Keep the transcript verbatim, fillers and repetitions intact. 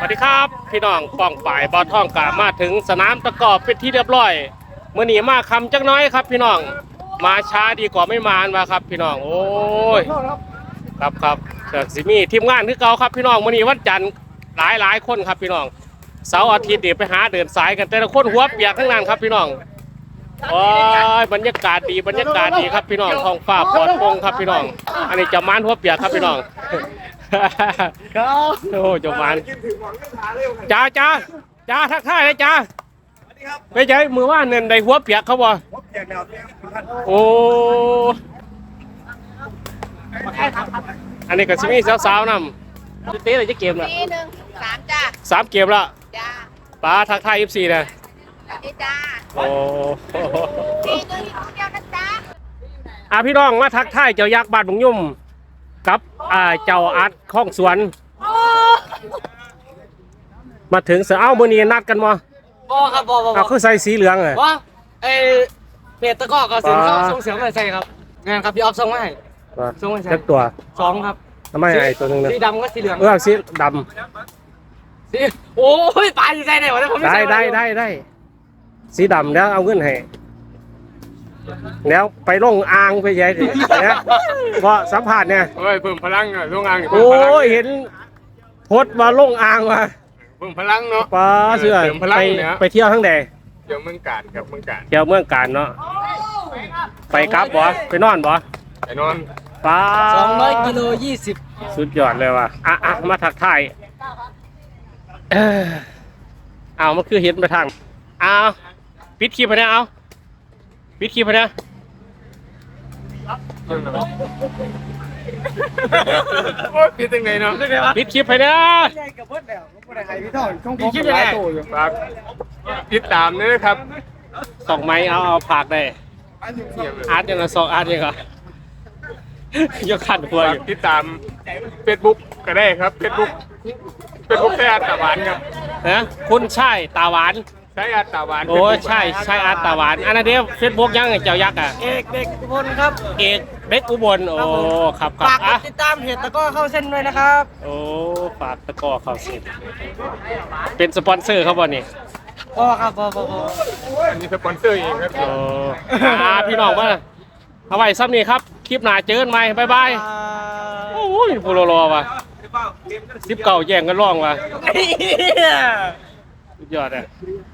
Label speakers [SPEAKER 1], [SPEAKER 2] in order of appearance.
[SPEAKER 1] สดีครับพี่น้องป้องป่ายบอท่องกามาถึงสนามตะกอบเป็นที่เรียบร้อยเมื่อนี้มาคำจักน้อยครับพี่น้องมาช้าดีกว่าไม่มามาครับพี่น้องโอ้ยครับครับเกิดสิมีทีมงานคือเก่าครับพี่น้องมื่อนี้วันจันทร์หลายหลายคนครับพี่น้องเสาร์อาทิตย์เดี๋ยวไปหาเดินสายกันแต่ละคนหัวเปียกทั้งนั้นครับพี่น้องโอ้ยบรรยากาศดีบรรยากาศดีครับพี่น้องท้องฟ้าปลอดโปร่งครับพี่น้องอันนี้จะมานหัวเปียกครับพี่น้อง
[SPEAKER 2] ครับ
[SPEAKER 1] โอ้จบมันจ้าจ้าจ้าทักทายเลยจ้าไปใจมือว่าเนินในหัวเปียกเขาบ่โอ้อันนี้ก็สิมีสาวๆนำจะเตะอะไรจะเกมละ
[SPEAKER 3] ปีหนึ่งสามจ้า
[SPEAKER 1] สามเกมละ
[SPEAKER 3] จ้า
[SPEAKER 1] ป้าทักทายยี่สิบสี่นะ
[SPEAKER 3] นี่จ้า
[SPEAKER 1] โอ้
[SPEAKER 3] ปีหนึ่งอยู่คนเดียวนะจ้า
[SPEAKER 1] อาพี่น้องมาทักทายเจ้ายักษ์บ้านบุงยุ่มกับอ่าเจ้าอาร์ตข้องสวนมาถึงเสือเอ้ามือนี้นัดกันมั้
[SPEAKER 2] บอครับบอบอบ
[SPEAKER 1] เอาคือใส่สีเหลืองเลย
[SPEAKER 2] ว่าไอเพจตะก้อกับสินเขาส่งเสียงอะไรใส่ครับงานครับพี่ออฟส่งมาให้ ส่งให้ใส่
[SPEAKER 1] เล็กตัว
[SPEAKER 2] สองครับ
[SPEAKER 1] ทำไมไอ้ตัวหนึงเนี่ย
[SPEAKER 2] สีดำกับสีเหลือง
[SPEAKER 1] เออสีด
[SPEAKER 2] สีโอ้ยปลาอยู่ใส่ไหนวะเนี่ยผม
[SPEAKER 1] ำ
[SPEAKER 2] ไม่
[SPEAKER 1] ได้
[SPEAKER 2] ใส่
[SPEAKER 1] ได้ได้ได้สีดำแล้วเอาเงินให้แล้วไปลงอ่างไปยัยเนี่ยเพราะสัมผัสเนี่ย
[SPEAKER 4] เฮ้ยเพิ่มพลังอ่ะลงอ่าง
[SPEAKER 1] โอ้ยเห็นโพสต์มาลงอ่างว่ะ
[SPEAKER 4] เพิ่มพลังเนาะ
[SPEAKER 1] ป้าเสือ
[SPEAKER 4] เติมพลัง
[SPEAKER 1] ไป
[SPEAKER 4] เนี่ย
[SPEAKER 1] ไปเที่ยวทั้งแด
[SPEAKER 4] เดี๋ยวเมืองการกับเมืองการ
[SPEAKER 1] เที่ยวเมืองการเนาะไปครับบ่ไปนอนบ่
[SPEAKER 4] ไอ้นอน
[SPEAKER 1] ป้า
[SPEAKER 2] สองร้อยกิโลยี่สิบ
[SPEAKER 1] สุดยอดเลยว่ะอ่ะอ่ะมาทักทายเอ้อเอามันคือเห็นไปทางเอาปิดคลิปไปนะเอาปิดคลิปไปนะ
[SPEAKER 4] โอ้ยพี่ตั้งไหนเนาะ
[SPEAKER 1] ปิดคลิปไปนะ
[SPEAKER 2] ใหญ่กับเบิ้ลแล้วผมได้ให้พี่ทอนของผม
[SPEAKER 1] ปิดคลิปไปนะ
[SPEAKER 4] ฝากติดตามด้วยนะครับ
[SPEAKER 1] สองไม้เอาเอาผากได้อาร์ตยังไงสองอาร์ตยังไงยกขันหัว
[SPEAKER 4] ฝา
[SPEAKER 1] อก ยู่
[SPEAKER 4] ติดตามเฟซบุ๊กก็ได้ครับเฟซบุ๊กเฟซบุ๊กใช้อาร์ตตาหวานครับ
[SPEAKER 1] นะคุณใช่ตาหวาน
[SPEAKER 4] ใช้อาร์ตตาหวาน
[SPEAKER 1] โอ้ยใช่ใช่อาร์ตตาหวานอันนั้นเดียวเฟซบุ๊กยังไงเจ้ายักษ์อ่ะ
[SPEAKER 2] เอกเด็กอุบลครับ
[SPEAKER 1] เอกเด็กอุบลโอ้ครับครับ
[SPEAKER 2] ฝากก
[SPEAKER 1] อ่ะ
[SPEAKER 2] ดติดตามเพจตะก้อเข้าเส้นด้วยนะครับ
[SPEAKER 1] โอ้ฝากตะกร้อเข้าสิเป็นสปอนเซอร์เขาบ่นี่
[SPEAKER 2] บอครับบอบอบอ
[SPEAKER 4] อันนี้สปอนเซอร์เองครับ
[SPEAKER 1] โอ้อาพี่น้องมาเอาไว้ซ้ำนี่ครับคลิปหน้าเจอกันใหม่บ๊ายบายโอ้ยพูรอๆว่ะสิบเก่าแย่งกันร้องว่ะสุดยอดอ่ะ
[SPEAKER 2] บ